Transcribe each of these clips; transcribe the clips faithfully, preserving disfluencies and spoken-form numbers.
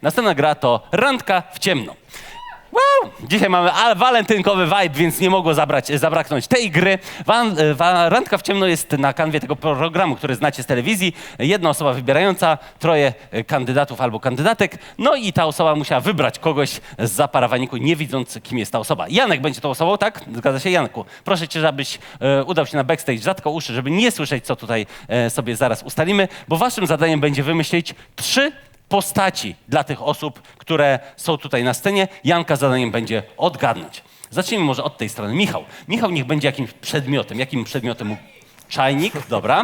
Następna gra to Randka w ciemno. Wow! Dzisiaj mamy a, walentynkowy vibe, więc nie mogło zabrać, zabraknąć tej gry. Wan, wa, Randka w ciemno jest na kanwie tego programu, który znacie z telewizji. Jedna osoba wybierająca, troje kandydatów albo kandydatek. No i ta osoba musiała wybrać kogoś z zaparawaniku, nie widząc, kim jest ta osoba. Janek będzie tą osobą, tak? Zgadza się, Janku? Proszę cię, żebyś e, udał się na backstage, zatko uszy, żeby nie słyszeć, co tutaj e, sobie zaraz ustalimy, bo waszym zadaniem będzie wymyślić trzy postaci dla tych osób, które są tutaj na scenie. Janka zadaniem będzie odgadnąć. Zacznijmy może od tej strony. Michał. Michał niech będzie jakimś przedmiotem. Jakim przedmiotem? Czajnik, dobra.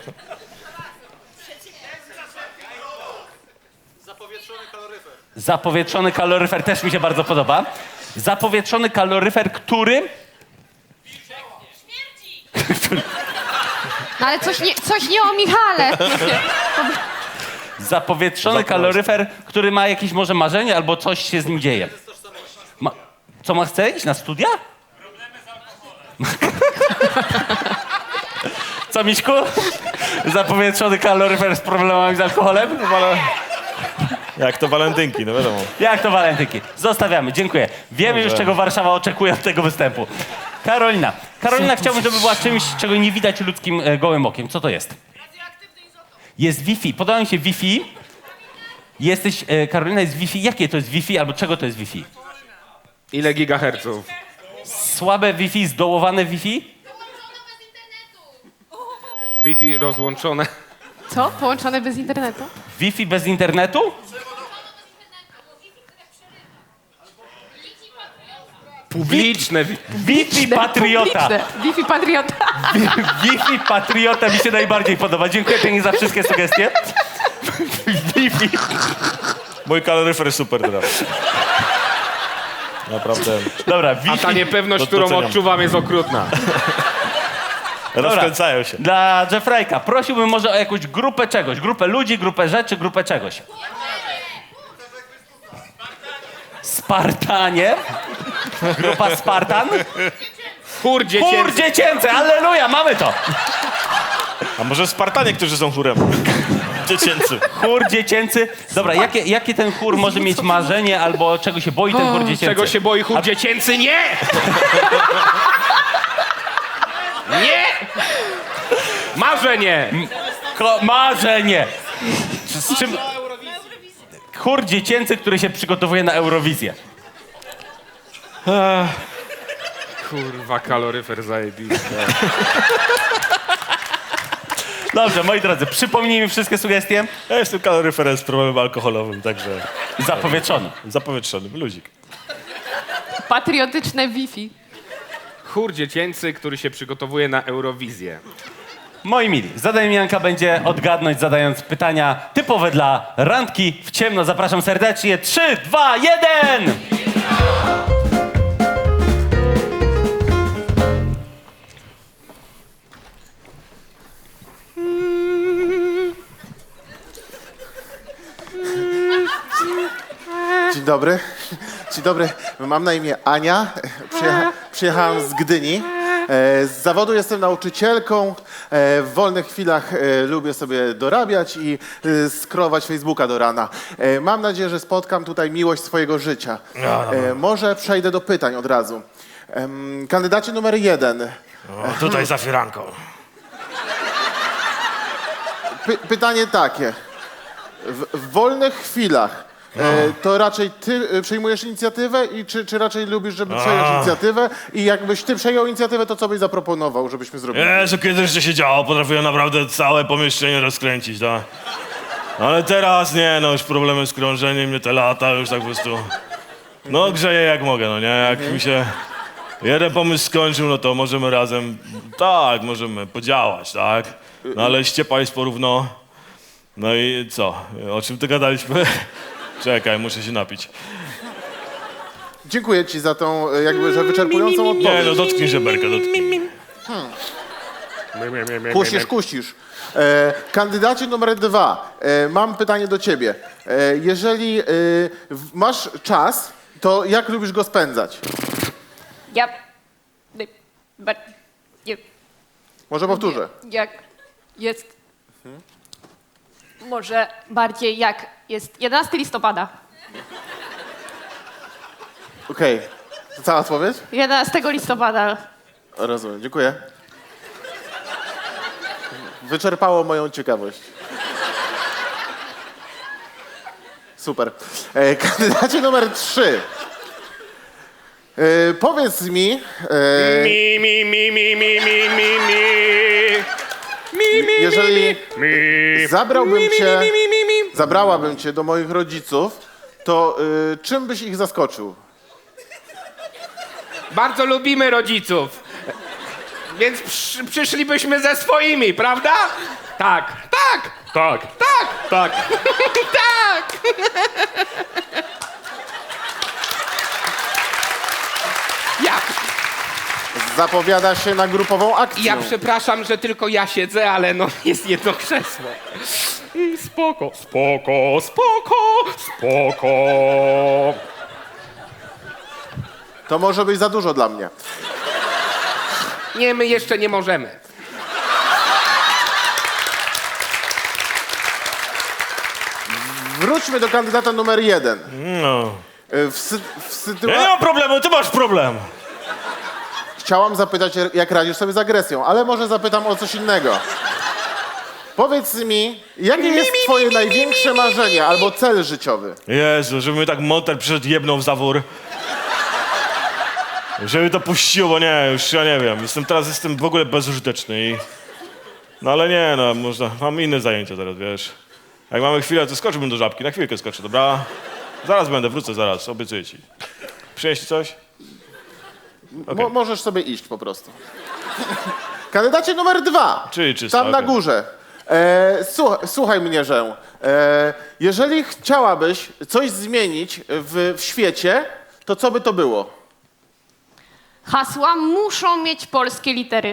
Zapowietrzony kaloryfer. Zapowietrzony kaloryfer też mi się bardzo podoba. Zapowietrzony kaloryfer, który... No ale coś nie, coś nie o Michale. Zapowietrzony kaloryfer, który ma jakieś może marzenie albo coś się z nim dzieje. Ma... Co ma chce iść na studia? Problemy z alkoholem. Co, Miśku? Zapowietrzony kaloryfer z problemami z alkoholem? Jak to walentynki, no wiadomo. Jak to walentynki? Zostawiamy, dziękuję. Wiemy już, czego Warszawa oczekuje od tego występu. Karolina. Karolina, chciałbym, żeby była czymś, czego nie widać ludzkim e, gołym okiem. Co to jest? Jest Wi-Fi. Podoba mi się Wi-Fi. Jesteś, e, Karolina, jest Wi-Fi. Jakie to jest Wi-Fi albo czego to jest Wi-Fi? Ile gigaherców? Słabe Wi-Fi, zdołowane Wi-Fi? Wi-Fi rozłączone. Co? Połączone bez internetu? Wi-Fi bez internetu? Publiczne. Wi- Wi-Fi patriota. Publiczne. Wi-Fi patriota. Wi-Fi patriota mi się najbardziej podoba. Dziękuję pięknie za wszystkie sugestie. Wi-Fi. Mój kaloryfer super teraz. Naprawdę. Dobra, A Wi-Fi. ta niepewność, Do- którą doceniam. odczuwam, jest okrutna. Rozkręcają się. Dla Jeffreyka prosiłbym może o jakąś grupę czegoś. Grupę ludzi, grupę rzeczy, grupę czegoś. Spartanie. Grupa Spartan. Chór dziecięcy. Chór dziecięcy, alleluja, mamy to. A może Spartanie, którzy są chórem? Dziecięcy. Chór dziecięcy. Dobra, jakie, jakie ten chór może mieć marzenie albo czego się boi ten chór dziecięcy? Czego się boi chór dziecięcy? Nie! Nie! Marzenie! Ko- marzenie. Z, z czym... Chór dziecięcy, który się przygotowuje na Eurowizję. Kurwa, kaloryfer zajebisty. Dobrze, moi drodzy, przypomnijmy wszystkie sugestie. Ja jestem kaloryferem z problemem alkoholowym, także Zapowietrzony. zapowietrzonym. Luzik. Patriotyczne Wi-Fi. Chór dziecięcy, który się przygotowuje na Eurowizję. Moi mili, zadaniem Janka będzie odgadnąć, zadając pytania typowe dla randki w ciemno. Zapraszam serdecznie. Trzy, dwa, jeden! Dzień dobry. Dzień dobry. Mam na imię Ania. Przyjecha przyjechałam z Gdyni. E, Z zawodu jestem nauczycielką. E, W wolnych chwilach e, lubię sobie dorabiać i e, scrollować Facebooka do rana. E, Mam nadzieję, że spotkam tutaj miłość swojego życia. E, Może przejdę do pytań od razu. Em, Kandydacie numer jeden. O, tutaj za firanką. Py pytanie takie. W, w wolnych chwilach e, to raczej ty e, przejmujesz inicjatywę i czy, czy raczej lubisz, żeby przejąć inicjatywę? I jakbyś ty przejął inicjatywę, to co byś zaproponował, żebyśmy zrobili? Jezu, kiedyś to się działo, potrafiłem naprawdę całe pomieszczenie rozkręcić, tak? Ale teraz nie, no już problemy z krążeniem, nie te lata, już tak po prostu... No grzeję jak mogę, no nie? Jak mi się jeden pomysł skończył, no to możemy razem, tak, możemy podziałać, tak? No ale ściepa jest porówno. No i co? O czym ty gadaliśmy? Czekaj, muszę się napić. Dziękuję ci za tą e, jakby, że wyczerpującą Nie, odpowiedź. no dotknij żeberka, dotknij. Kusisz, kusisz. E, kandydacie numer dwa, e, mam pytanie do ciebie. E, jeżeli e, w, masz czas, to jak lubisz go spędzać? Ja... But... Może powtórzę. Jak jest... Może bardziej jak jest jedenastego listopada. Okej. To cała odpowiedź? jedenastego listopada. Rozumiem, dziękuję. Wyczerpało moją ciekawość. Super. E, kandydacie numer trzy. E, powiedz mi, e, Mi, mi, mi, mi, mi, mi, mi, mi. Mi, mi, jeżeli mi. zabrałbym Mi, mi, cię, mi, mi, mi, mi. zabrałabym cię do moich rodziców, to e, czym byś ich zaskoczył? Bardzo lubimy rodziców. Więc przy, przyszlibyśmy ze swoimi, prawda? Tak, tak, tak, tak, tak, tak. Ja, Zapowiada się na grupową akcję. ja przepraszam, że tylko ja siedzę, ale no jest jedno krzesło. Mm, Spoko, spoko, spoko, spoko. To może być za dużo dla mnie. Nie, my jeszcze nie możemy. Wróćmy do kandydata numer jeden. No. E, W, sy- w Ja sytuacji... nie mam problemu, ty masz problem. Chciałam zapytać, jak radzisz sobie z agresją, ale może zapytam o coś innego. Powiedz mi, jakie jest twoje największe marzenie albo cel życiowy? Jezu, żeby mi tak monter przyszedł jebnął w zawór. Żeby to puściło, bo nie, już ja nie wiem. Jestem teraz jestem w ogóle bezużyteczny i... No ale nie, no można, mam inne zajęcia teraz, wiesz. Jak mamy chwilę, to skoczyłbym do żabki, na chwilkę skoczę, dobra? Zaraz będę, wrócę zaraz, obiecuję ci. Przynieść ci coś? Mo- możesz sobie iść po prostu. Kandydacie numer dwa. Czyli czysto, Tam na okej. górze. E, słuchaj, słuchaj mnie, że e, jeżeli chciałabyś coś zmienić w, w świecie, to co by to było? Hasła muszą mieć polskie litery.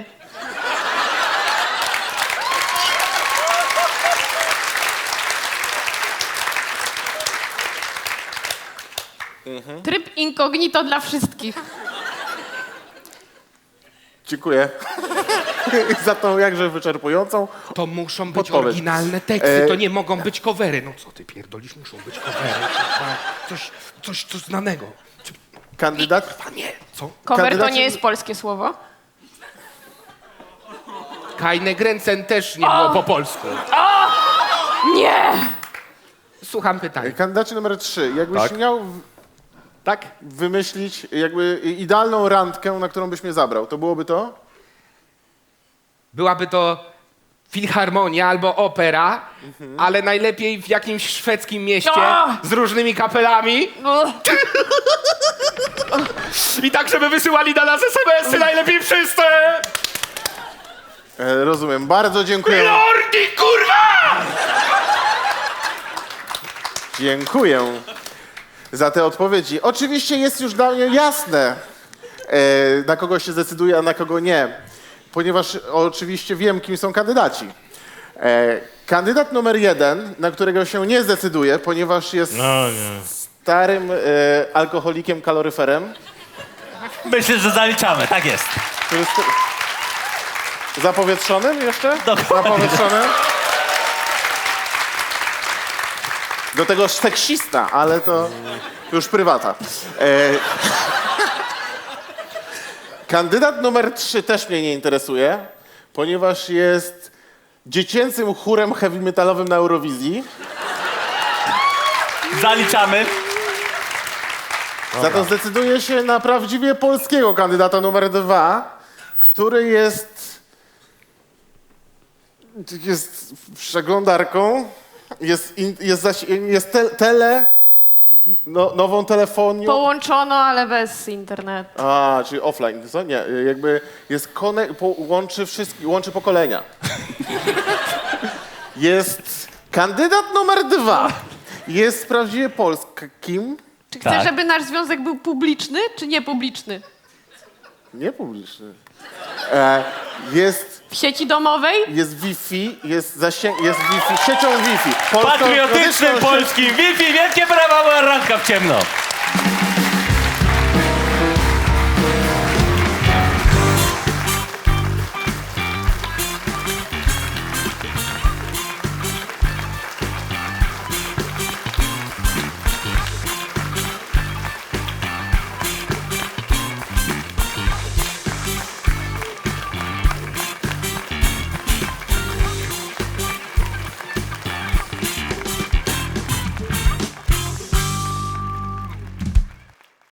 Tryb incognito dla wszystkich. Dziękuję za tą jakże wyczerpującą. To muszą być Podpowiedź. oryginalne teksty, E, to nie mogą być covery. No co ty pierdolisz, muszą być covery. kurwa. Coś, coś, coś znanego. Kandydat, Panie, co? Cover to Kandydaci- nie jest polskie słowo. Kajne Grenzen też nie było po polsku. Nie! Słucham pytania. kandydacie numer trzy. Jakbyś Tak. miał w- Tak? wymyślić jakby idealną randkę, na którą byś mnie zabrał, to byłoby to? Byłaby to filharmonia albo opera, ale najlepiej w jakimś szwedzkim mieście A! z różnymi kapelami. Uch. I tak, żeby wysyłali na nas es em esy, najlepiej wszyscy! E, rozumiem. Bardzo dziękuję. Lordi, kurwa! Dziękuję za te odpowiedzi. Oczywiście jest już dla mnie jasne, e, na kogo się zdecyduje, a na kogo nie, ponieważ oczywiście wiem, kim są kandydaci. E, kandydat numer jeden, na którego się nie zdecyduje, ponieważ jest No nie. starym e, alkoholikiem kaloryferem, Myślę, że zaliczamy, tak jest. który jest zapowietrzonym jeszcze? Dokładnie. Zapowietrzonym. Do tego seksista, ale to już prywata. E, kandydat numer trzy też mnie nie interesuje, ponieważ jest dziecięcym chórem heavy metalowym na Eurowizji. Zaliczamy. Za to zdecyduje się na prawdziwie polskiego kandydata numer dwa, który jest, jest przeglądarką, jest, in, jest, zaś, jest te, tele, no, nową telefonią. Połączono, ale bez internetu. A, czyli offline, co? Nie, jakby jest kone, po, łączy wszystkie, łączy pokolenia. Jest kandydat numer dwa. Jest prawdziwie polskim, Czy chcesz, Tak. żeby nasz związek był publiczny, czy niepubliczny? nie publiczny. E, jest, W sieci domowej? jest Wi-Fi, jest zasięg, jest Wi-Fi, siecią Wi-Fi. Polsko- Patriotycznym polską- polskim Wi-Fi, wielkie brawa, była randka w ciemno.